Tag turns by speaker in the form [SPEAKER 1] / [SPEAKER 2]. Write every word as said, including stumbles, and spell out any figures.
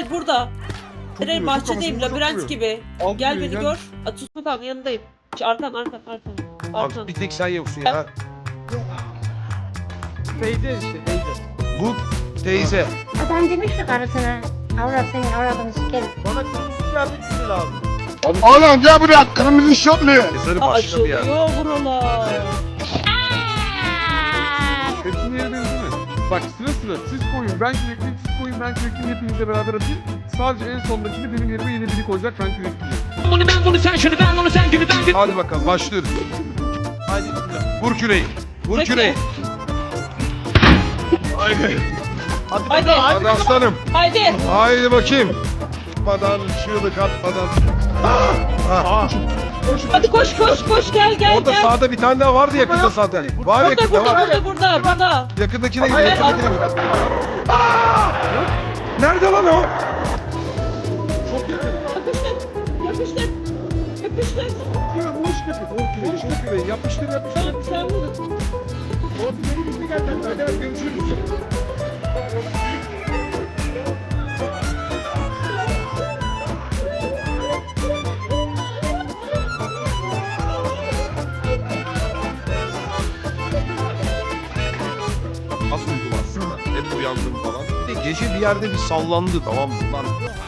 [SPEAKER 1] hayır burada.
[SPEAKER 2] Çok
[SPEAKER 1] Hayır
[SPEAKER 2] vuruyor, çok
[SPEAKER 1] bahçedeyim
[SPEAKER 2] kafasına çok
[SPEAKER 1] labirent
[SPEAKER 2] vuruyor.
[SPEAKER 1] gibi.
[SPEAKER 2] Alt
[SPEAKER 1] Gel
[SPEAKER 2] vuruyor,
[SPEAKER 1] beni
[SPEAKER 2] gel.
[SPEAKER 1] gör. A, tutma tamam yanındayım. Şu arkan arkan arkan. Arkan.
[SPEAKER 2] Abi bir tek sen yoksun ya.
[SPEAKER 3] Teyze işte teyze.
[SPEAKER 2] Bu teyze.
[SPEAKER 4] Adam demiş ki karısına, avrat senin avradını sikerim.
[SPEAKER 3] Bana kırmızı kıyafet lazım.
[SPEAKER 5] Oğlum gel buraya kırmızı şortlu.
[SPEAKER 2] Mezarı
[SPEAKER 1] Aa,
[SPEAKER 2] başka bir yer.
[SPEAKER 1] açılıyor buralar.
[SPEAKER 2] Hepsinin yeri benziyor mi? Bak sıra sıra siz koyun ben kürekliyim, siz koyun ben kürekliyim hepinizle beraber atayım. Sadece en sondakini benim yerime yeni biri koyacak ben kürekliyim.
[SPEAKER 6] Bunu ben bunu sen şunu ben bunu sen günü ben günü.
[SPEAKER 2] Hadi bakalım başlıyoruz.
[SPEAKER 3] Haydi bismillah.
[SPEAKER 2] Vur küreği. Vur
[SPEAKER 1] Peki.
[SPEAKER 2] küreği. Haydi.
[SPEAKER 3] Hadi
[SPEAKER 1] Haydi.
[SPEAKER 3] bakalım,
[SPEAKER 2] Hadi aslanım.
[SPEAKER 1] Haydi.
[SPEAKER 2] Haydi bakayım. Atmadan, çığlık atmadan. Ah.
[SPEAKER 1] Hadi koş koş koş gel gel
[SPEAKER 2] Orada
[SPEAKER 1] gel.
[SPEAKER 2] sağda bir tane daha vardı yakında zaten. Var
[SPEAKER 1] Burada
[SPEAKER 2] yakında
[SPEAKER 1] burada
[SPEAKER 2] var.
[SPEAKER 1] burada burada burada.
[SPEAKER 2] Yakındakine gidiyor,
[SPEAKER 1] Hayır,
[SPEAKER 2] yakındakine gidiyor. Aa! Nerede lan o?
[SPEAKER 1] Yapıştır. Yapıştır. Yapıştır.
[SPEAKER 2] Vur küreği, vur küreği. Yapıştır, yapıştır.
[SPEAKER 1] Tamam sen vurun.
[SPEAKER 2] Hadi görüşürüz. Az uyudum aslında. Hep uyandım falan. Bir de gece bir yerde bir sallandı tamam mı? Lan